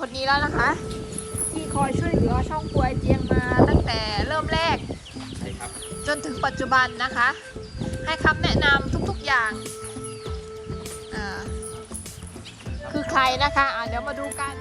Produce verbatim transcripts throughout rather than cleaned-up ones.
คนนี้แล้วนะคะที่คอยช่วยเหลือช่องกวยเจียงมาตั้งแต่เริ่มแรกใช่ครับจนถึงปัจจุบันนะคะให้คำแนะนำทุกๆอย่างอ่าคือใครนะคะอ่าเดี๋ยวมาดูกัน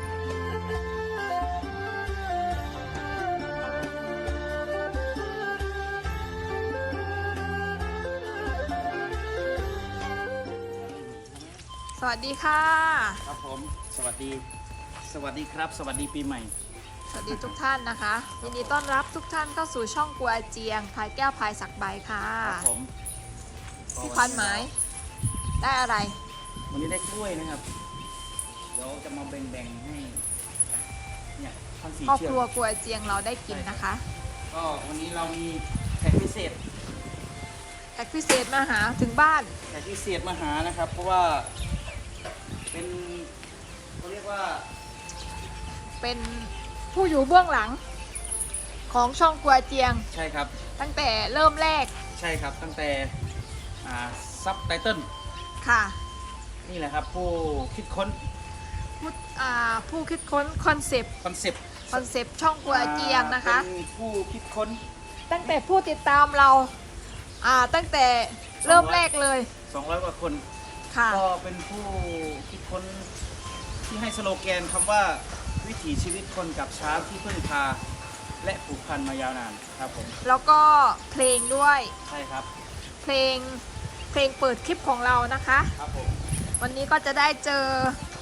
สวัสดีค่ะครับผมสวัสดีสวัสดีครับสวัสดีปีใหม่สวัสดีทุกท่านนะคะยินดีต้อนรับทุกท่านเข้าสู่ช่องกวยเจียงพายแก้วพายสักใบค่ะครับผมพี่ควันหมายได้อะไรวันนี้ได้กล้วยนะครับเดี๋ยวจะมาแบ่งๆให้เนี่ยพันสีครอบเชือกครัวกวยเจียงเราได้กินนะคะก็วันนี้เรามีแขกพิเศษแขกพิเศษมาหาถึงบ้านแขกพิเศษมาหานะครับเพราะว่าเป็นเขาเรียกว่าเป็นผู้อยู่เบื้องหลังของช่องกวยเจียงใช่ครับตั้งแต่เริ่มแรกใช่ครับตั้งแต่ซับไตเติลค่ะนี่แหละครับผู้คิดค้นผู้ผู้คิดค้นคอนเซปต์คอนเซปต์คอนเซปต์ช่องกวยเจียงนะคะเป็นผู้คิดค้นตั้งแต่ผู้ติดตามเราอ่าตั้งแต่เริ่มแรกเลยสองร้อยกว่าคนก็เป็นผู้คิดค้นที่ให้สโลแกนคำว่าวิถีชีวิตคนกับช้างที่พึ่งพาและผูกพันมายาวนานครับผมแล้วก็เพลงด้วยใช่ครับเพลงเพลงเปิดคลิปของเรานะคะครับผมวันนี้ก็จะได้เจอ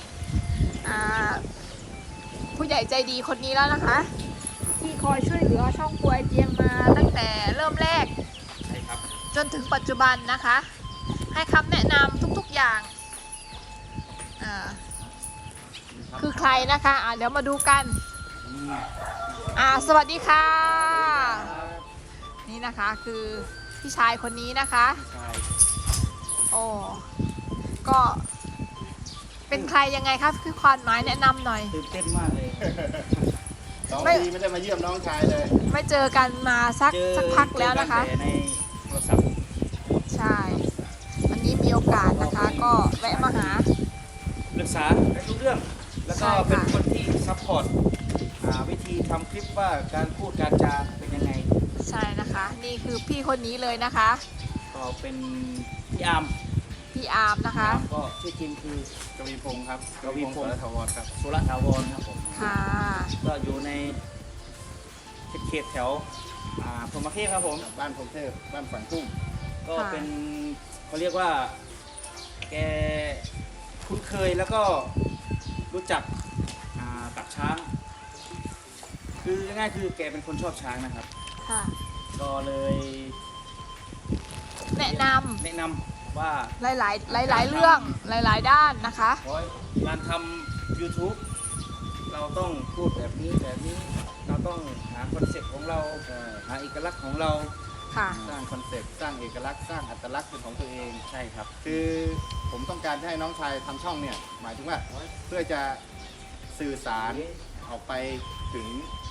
ผู้ใหญ่ใจดีคนนี้แล้วนะคะที่คอยช่วยเหลือช่องกวยเจียงมาตั้งแต่เริ่มแรกใช่ครับจนถึงปัจจุบันนะคะให้คำแนะนำทุกๆอย่างคือใครนะคะะเดี๋ยวมาดูกันสวัสดีค่ะนี่นะคะคือพี่ชายคนนี้นะคะโอ้ก็เป็นใครยังไงครับคือควานหมายแนะนำหน่อยตื่นเต้นมากเลยสองปีไม่ได้มาเยี่ยมน้องชายเลยไม่เจอกันมาสักสักพักแล้วนะคะในโทรศัพท์ใช่วันนี้มีโอกาสนะคะก็แวะมาหาปรึกษาในทุกเรื่องแล้วก็เป็นคนที่ซัพพอร์ตวิธีทำคลิปว่าการพูดการจาเป็นยังไงใช่นะคะนี่คือพี่คนนี้เลยนะคะก็เป็นพี่อาร์มพี่อาร์มนะคะก็ชื่อจริงคือกวีพงศ์ครับกวีพงศ์สุรถาวรครับสุรถาวรครับผมค่ะก็อยู่ในเขตแถวพรหมเทพครับผมบ้านพรหมเทพบ้านฝังกุ้งก็เป็นเขาเรียกว่าแกคุ้นเคยแล้วก็รู้จักกับช้างคือง่ายๆคือแกเป็นคนชอบช้างนะครับค่ะก็เลยแนะนำแนะนำว่าหลายๆหลายๆเรื่องหลายๆด้านนะคะการทำ ยูทูบ เราต้องพูดแบบนี้แบบนี้เราต้องหาคอนเซ็ปต์ของเราหาเอกลักษณ์ของเราสร้างคอนเซ็ปต์สร้างเอกลักษณ์สร้างอัตลักษณ์เป็นของตัวเองใช่ครับคือผมต้องการให้น้องชายทำช่องเนี่ยหมายถึงว่าเพื่อจะสื่อสารออกไปถึง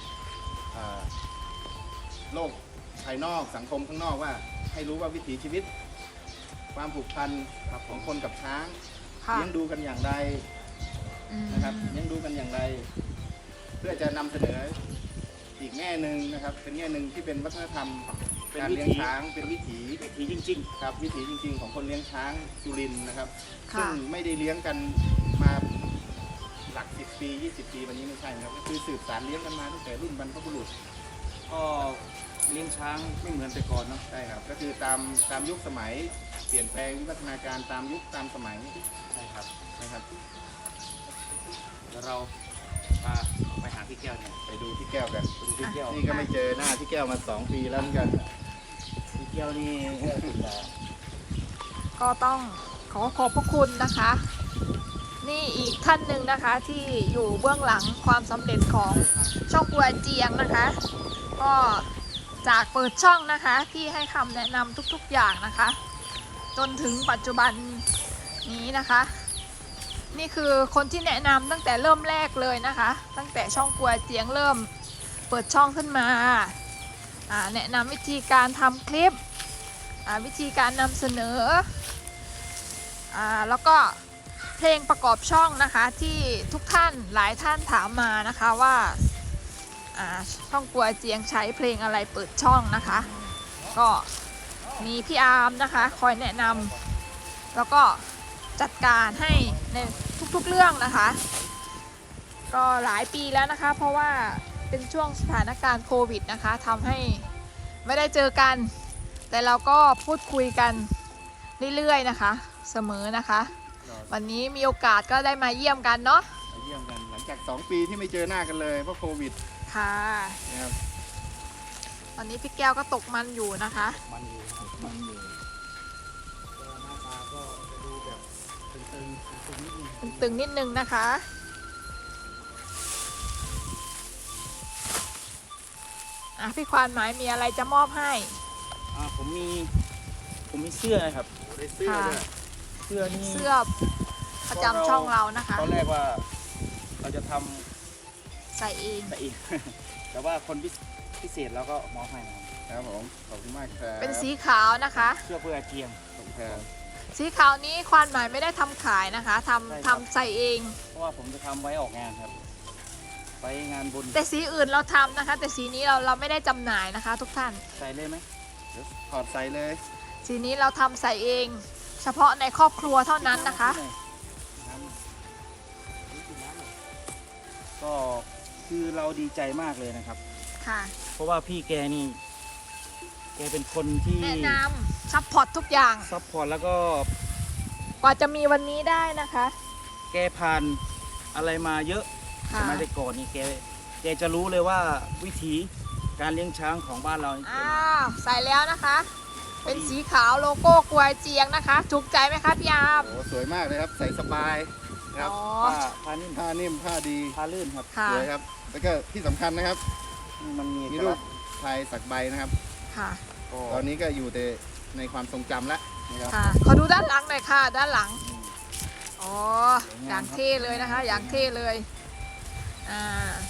โลกภายนอกสังคมข้างนอกว่าให้รู้ว่าวิถีชีวิตความผูกพันของคนกับช้างเลี้ยงดูกันอย่างไรนะครับเลี้ยงดูกันอย่างไรเพื่อจะนำเสนออีกแง่หนึ่งนะครับเป็นแง่หนึ่งที่เป็นวัฒนธรรมการเลี้ยงช้างเป็นวิถีวิถีจริงๆครับวิถีจริงๆของคนเลี้ยงช้างสุรินทร์นะครับซึ่งไม่ได้เลี้ยงกันมาหลักสิบปียี่สิบปีวันนี้ไม่ใช่นะครับก็คือสืบสานเลี้ยงกันมาตั้งแต่รุ่นบรรพบุรุษก็เลี้ยงช้างไม่เหมือนแต่ก่อนเนาะใช่ครับก็คือตามตามยุคสมัยเปลี่ยนแปลงวิวัฒนาการตามยุคตามสมัยใช่ครับนะครับแล้วเราไปหาพี่แก้วเนี่ยไปดูพี่แก้วกันพี่แก้วนี่ก็ไม่เจอหน้าพี่แก้วมาสองปีแล้วเหมือนกันพี่แก้วนี่ก็ต้องขอขอบพระคุณนะคะนี่อีกท่านหนึ่งนะคะที่อยู่เบื้องหลังความสำเร็จของช่องกวยเจียงนะคะก็จากเปิดช่องนะคะที่ให้คำแนะนำทุกๆอย่างนะคะจนถึงปัจจุบันนี้นะคะนี่คือคนที่แนะนำตั้งแต่เริ่มแรกเลยนะคะตั้งแต่ช่องกวยเจียงเริ่มเปิดช่องขึ้นมาแนะนำวิธีการทำคลิปวิธีการนำเสนอแล้วก็เพลงประกอบช่องนะคะที่ทุกท่านหลายท่านถามมานะคะว่าอ่าช่องกัวเจียงใช้เพลงอะไรเปิดช่องนะคะ ก็มีพี่อาร์มนะคะคอยแนะนำแล้วก็จัดการให้ในทุกๆเรื่องนะคะ ก็หลายปีแล้วนะคะ เพราะว่าเป็นช่วงสถานการณ์โควิดนะคะทำให้ไม่ได้เจอกัน แต่เราก็พูดคุยกันเรื่อยๆนะคะเสมอนะคะ วันนี้มีโอกาสก็ได้มาเยี่ยมกันเนาะมาเยี่ยมกันหลังจากสองปีที่ไม่เจอหน้ากันเลยเพราะโควิดค่ะนะครับตอนนี้พี่แก้วก็ตกมันอยู่นะคะมันอยู่ครับมันอยู่ก็หน้าตาก็จะดูแบบตึงๆตึงๆนิดนึงตึงๆนิดนึงนะคะอ่ะพี่ควานหมายมีอะไรจะมอบให้อ่าผมมีผมมีเสื้อนะครับได้เสื้อด้วยเสื้อนี่เสื้อประจำช่องเรานะคะตอนแรกว่าเราจะทใส่เองำแต่อีก แต่ว่าคนพิพิเศษเราก็มอบให้นะครับครับผมขอบคุณมากครับเป็นสีขาวนะคะเสื้อเพื่ออาเจียงขอบคุณครับสีขาวนี้ควานหมายไม่ได้ทำขายนะคะทำใช่ครับทำใส่เองเพราะว่าผมจะทำไว้ออกงานครับ ไปงานบุญแต่สีอื่นเราทำนะคะ แต่สีนี้เราเราไม่ได้จำหน่ายนะคะ ทุกท่านใส่เลยไหมเดี๋ยวถอดใส่เลยสีนี้เราทำใส่เอง เฉพาะในครอบครัวเท่านั้นนะคะน้ำก็คือเราดีใจมากเลยนะครับค่ะเพราะว่าพี่แกนี่ แกเป็นคนที่แนะนำซัพพอร์ตทุกอย่างซัพพอร์ตแล้วก็กว่าจะมีวันนี้ได้นะคะแกผ่านอะไรมาเยอะค่ะสมัยแต่ก่อนนี่แกแกจะรู้เลยว่าวิธีการเลี้ยงช้างของบ้านเรานี่เป็นอ้าวใส่แล้วนะคะ เป็นสีขาวโลโก้กวยเจียงนะคะถูกใจไหมคะพี่อาร์มโอ้สวยมากเลยครับ ใส่สบายนะครับอ๋อผ้าผ้านิ่มผ้านิ่มผ้าดีผ้าลื่นครับค่ะสวยครับ แล้วก็ที่สำคัญนะครับมันมีมีเอกรูลัปกษณ์ลายสักใบนะครับค่ะก็ตอนนี้ก็อยู่แต่ในความทรงจำแล้วนะครับค่ะขอดูด้านหลังหน่อยค่ะ ด้านหลัง อ๋อ อย่างเท่เลยนะคะ อย่างเท่เลย อ่า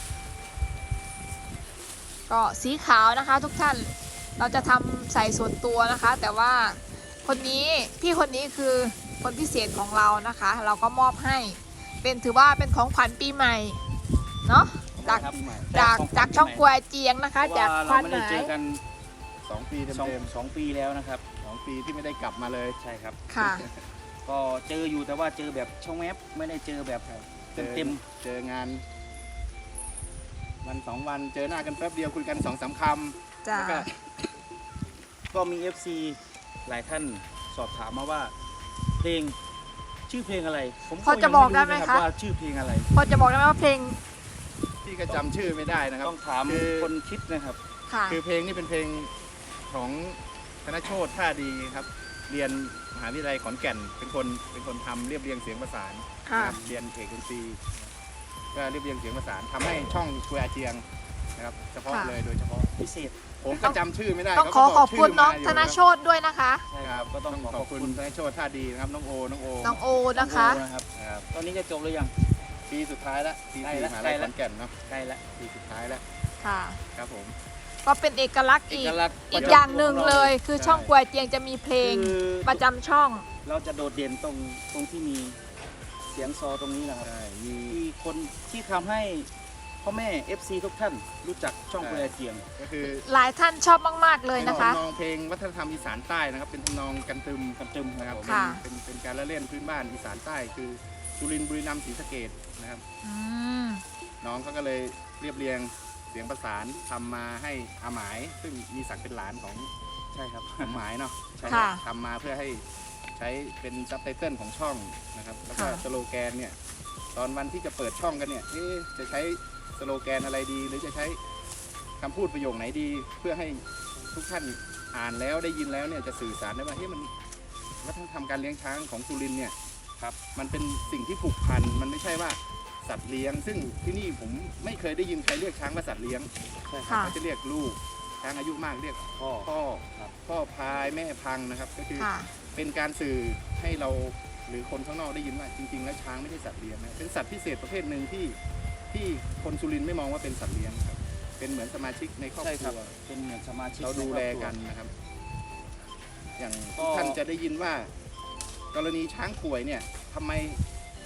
ก็สีขาวนะคะทุกท่าน เราจะทำใส่ส่วนตัวนะคะ แต่ว่าคนนี้พี่คนนี้คือคนพิเศษของเรานะคะ เราก็มอบให้ เป็นถือว่าเป็นของขวัญปีใหม่ เนาะ จากครับปีใหม่จากของขวัญจากช่องปีกใหม่วยเจียงนะคะเพราะจากว่าควาเรานไม่หได้มายเจอกันสองปีเต็สองมสองปีแล้วนะครับๆสองปีที่ไม่ได้กลับมาเลยใช่ครับค่ะก็เจออยู่แต่ว่าเจอแบบช่องแอปไม่ได้เจอแบบเจอเต็มเจองาน วันสองวันเจอหน้ากันแป๊บเดียวคุยกันสองสามคำจ้าแล้วก็ๆก็มี เอฟ ซี หลายท่านสอบถามมาว่า เพลงชื่อเพลงอะไร ผมพอจะบอกได้ไหมยังคะรู้นรับว่าชื่อเพลงอะไรพอจะบอกได้ไหมว่าเพลงพี่ก็จำชื่อไม่ได้นะครับต้องถามคือคนคิดนะครับค่ะคือเพลงนี้เป็นเพลงของธนโชติท่าดีครับ เรียนมหาวิทยาลัยขอนแก่น เป็นคนเป็นคนทำเรียบเรียงเสียงประสานค่ะนะครับเรียนเอกดนตรีก็เรียบเรียงเสียงประสานทำให้ช่องคุยอาเจียงนะครับ เฉพาะค่ะเลยโดยเฉพาะพิเศษผมก็จำชื่อไม่ได้ต้องเขาขอก็ขอบคุณชื่น้องมายู่ธนโชตด้วยนะคะใช่คครัรับบก็ต้องขอขขออบบ คุคุณ ณธนโชติท่าดีนะครับน้องโอน้องโอน้องโอนะคะโอ้นะครับครับตอนนี้จะจบหรือยังปีสุดท้ายแล้วปีใกล้สี่ละมหาใกล้ลัยละขอนแก่นเนาะใกล้แล้วปีสุดท้ายแล้วค่ะครับผมก็เป็นเอกลักษณ์เออีกกลักษณ์อีกอย่างหนึ่งเลย คือใช่ช่องกวยเจียงจะมีเพลงคือประจำช่องเราจะโดดเด่นตรงตรงที่มีเสียงซอตรงนี้นะครับใช่มีที่คนที่ทำให้พ่อแม่ เอฟ ซี ทุกท่านรู้จักช่องใช่เปลือยเสียงก็คือหลายท่านชอบมากๆเลยนะคะเป็นทำนองเพลงวัฒนธรรมอีสานใต้นะครับ เป็นทำนองกันตึมกันตึมนะครับค่ะเป็นเป็นเป็นการละเล่นพื้นบ้านอีสานใต้ คือจุรินทร์บุรีรัมย์ศรีสะเกษนะครับอืมน้องเขาก็เลยเรียบเรียงเสียงประสานทำมาให้อาหมาย ซึ่งมีศักดิ์เป็นหลานของใช่ครับอาหมายเนาะใช่ค่ะทำมาเพื่อให้ใช้เป็นซับไตเติลของช่องนะครับ แล้วก็ค่ะสโลแกนเนี่ย ตอนวันที่จะเปิดช่องกันเนี่ยเอ๊ะจะใช้สโลแกนอะไรดี หรือจะใช้คำพูดประโยคไหนดี เพื่อให้ทุกท่านอ่านแล้วได้ยินแล้วเนี่ยจะสื่อสารได้ว่าเฮ้ยมันวัฒนธรรมการเลี้ยงช้างของสุรินทร์เนี่ยครับมันเป็นสิ่งที่ผูกพันมันไม่ใช่ว่าสัตว์เลี้ยง ซึ่งที่นี่ผมไม่เคยได้ยินใครเรียกช้างว่าสัตว์เลี้ยงใช่ครับค่ะเขาจะเรียกลูกช้างอายุมากเรียกพ่อพ่อครับพ่อพายแม่พังนะครับก็คือค่ะเป็นการสื่อให้เราหรือคนข้างนอกได้ยินว่าจริง ๆ แล้วช้างไม่ใช่สัตว์เลี้ยงนะเป็นสัตว์พิเศษประเภทหนึ่งที่ที่คนสุรินทร์ไม่มองว่าเป็นสัตว์เลี้ยงครับเป็นเหมือนสมาชิกในครอบใช่คครับรัวเป็นเหมือนสมาชิกเราดูแลในครอบครัวกันนะครับ อย่างก็ท่านจะได้ยินว่า กรณีช้างป่วยเนี่ยทำไม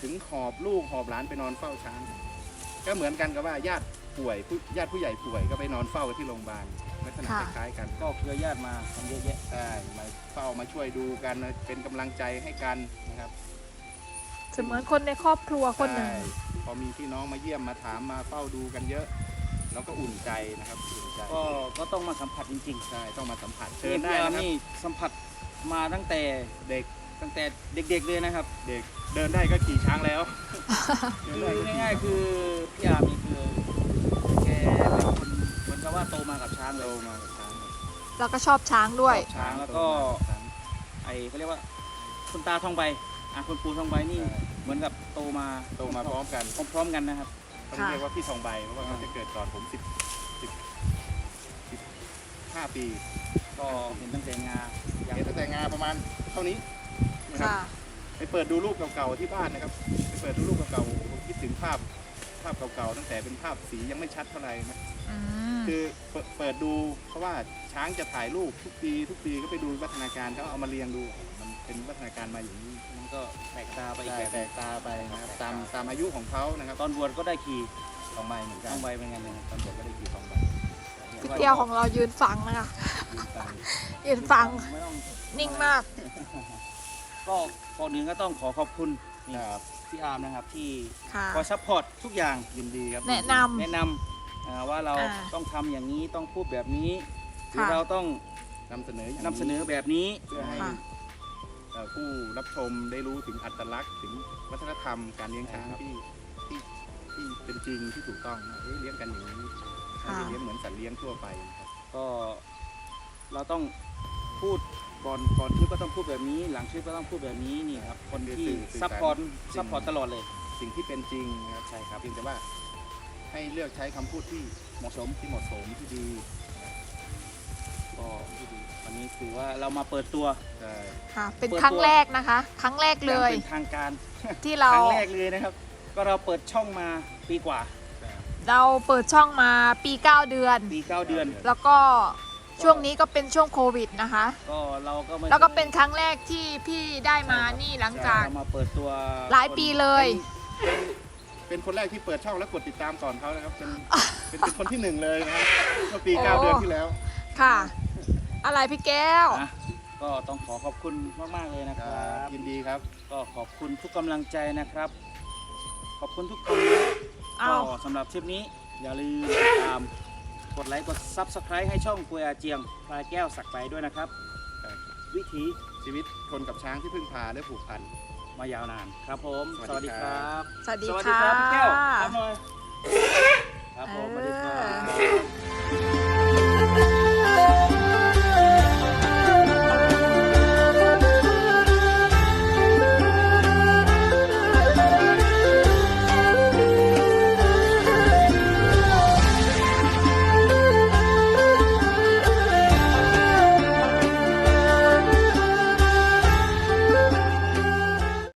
ถึงหอบลูกหอบหลานไปนอนเฝ้าช้าง ก็เหมือนกันกับว่าญาติป่วยผู้ญาติผู้ใหญ่ป่วยก็ไปนอนเฝ้าที่โรงพยาบาลลักษณะคล้ายๆกันก็เครือญาติมากันเยอะแยะใช่มาเฝ้ามาช่วยดูกันเป็นกำลังใจให้กันนะครับเสมือนคนในครอบครัวคนหนึ่งใช่พอมีพี่น้องมาเยี่ยมมาถามมาเฝ้าดูกันเยอะเราก็อุ่นใจนะครับอุ่นใจก็ก็ต้องมาสัมผัสจริงๆใช่ต้องมาสัมผัสเชิเชิญญได้ได้นะครับนี่สัมผัสมาตั้งแต่เด็กตั้งแต่เด็กๆเลยนะครับเด็กเดินได้ก็ขี่ช้างแล้วคือง่ายๆคือพี่อาร์มนี่คือแกเป็นคนเหมือนกับว่าโตมากับช้างเลโตยมากับช้างครับเราก็ชอบช้างด้วยชอบช้างแล้วก็โตมาบช้างไอเขาเรียกว่าคุณตาทองใบอ่ะคุณปู่ทองใบนี่ใช่เหมือนกับโตมาโตมาพร้อมกันพร้อมๆกันนะครับเขาเรียกว่าพี่ทองใบเพราะว่าเขาจะเกิดก่อนผมสิบสิบสิบห้าปีก็เห็นตั้งแต่งาอย่างเห็นตั้งแต่งาประมาณเท่านี้นะครับค่ะไปเปิดดูรูปเก่าๆที่บ้านนะครับไปเปิดดูรูปเก่าๆผมคิดถึงภาพภาพเก่าๆตั้งแต่เป็นภาพสียังไม่ชัดเท่าไหร่นะอืมคือเปิดเปิดดูเพราะว่าช้างจะถ่ายรูปทุกปีทุกปีก็ไปดูวัฒนาการเขาเอามาเรียงดูมันเป็นวัฒนาการมาอย่างนี้มันก็แปลกตาไปอีกใช่แบบแตกตาไปนะครับตามตามอายุของเขานะครับตอนบวชก็ได้ขี่ทองใบเหมือนกัทนองใบเป็นไงเนี่ยตอนบวชก็ได้ขี่ทองใบเที่ยวของเรายืนฟังนะคะยืนตามยืนฟังไม่ต้องนิ่งมากก็ก่อนอื่นก็ต้องขอขอบคุณนี่ครับพี่อาร์มนะครับที่ค่ะคอยซัพพอร์ตทุกอย่างยินดีครับแนะนำแนะนำอ่าว่าเราอ่าต้องทำอย่างนี้ต้องพูดแบบนี้หรือค่ะเราต้องนำเสนออย่างนำเสนอแบบนี้เพื่อให้ค่ะเอ่อผู้รับชมได้รู้ถึงอัตลักษณ์ถึงวัฒนธรรมการเลี้ยงช้างครับที่ที่ที่เป็นจริงที่ถูกต้องนะเอ้ยเลี้ยงกันอย่างนี้ไม่ค่ะใช่เลี้ยงเหมือนสัตว์เลี้ยงทั่วไปนะครับก็เราต้องพูดก่อนก่อนคลิปก็ต้องพูดแบบนี้ หลังคลิปก็ต้องพูดแบบนี้นี่ครับคนที่ซัพพอร์ตซัพพอร์ตตลอดเลยสิ่งที่เป็นจริงนะครับใช่ครับเพียงแต่ว่าให้เลือกใช้คำพูดที่เหมาะสมที่เหมาะสมที่ดีก็วันนี้ถือว่าเรามาเปิดตัวใช่ค่ะ เป็นเปิดตัวครั้งแรกนะคะ ครั้งแรกเลยอางเป็นทางการที่เราครั้งแรกเลยนะครับ ก็เราเปิดช่องมาปีกว่าเราเปิดช่องมาปีเก้าเดือนปีเก้าเดือนแล้วก็ช่วงนี้ก็เป็นช่วงโควิดนะคะก็เราก็ไม่แล้วก็เป็นครั้งแรกที่พี่ได้มานี่หลังจากเรามาเปิดตัวหลายปีเลยเป็นเป็นคนแรกที่เปิดช่องแล้วกดติดตามก่อนเขานะครับเป็นเป็นเป็นคนที่หนึ่งเลยนะครับเมื่อปีเก้าโอ้เดือนที่แล้วค่ะ อะไรพี่แก้วนะก็ต้องขอขอบคุณมากๆเลยนะคครัรับบ ยินดีครับก็ขอบคุณทุกกำลังใจนะครับ ขอบคุณทุกคนนะเอาก็สำหรับคลิปนี้อย่าลืมติดตามกดไลค์กด ซับสไครบ์ ให้ช่องกุยอาเจียงพลายแก้วสักไปด้วยนะครับ วิถีชีวิตคนกับช้างที่พึ่งพาและผูกพันมายาวนานครับผมสวัสดีสวัสดีคครัรับสวัสดีสวัสดีค่ะครับพี่แก้วครับหน่อย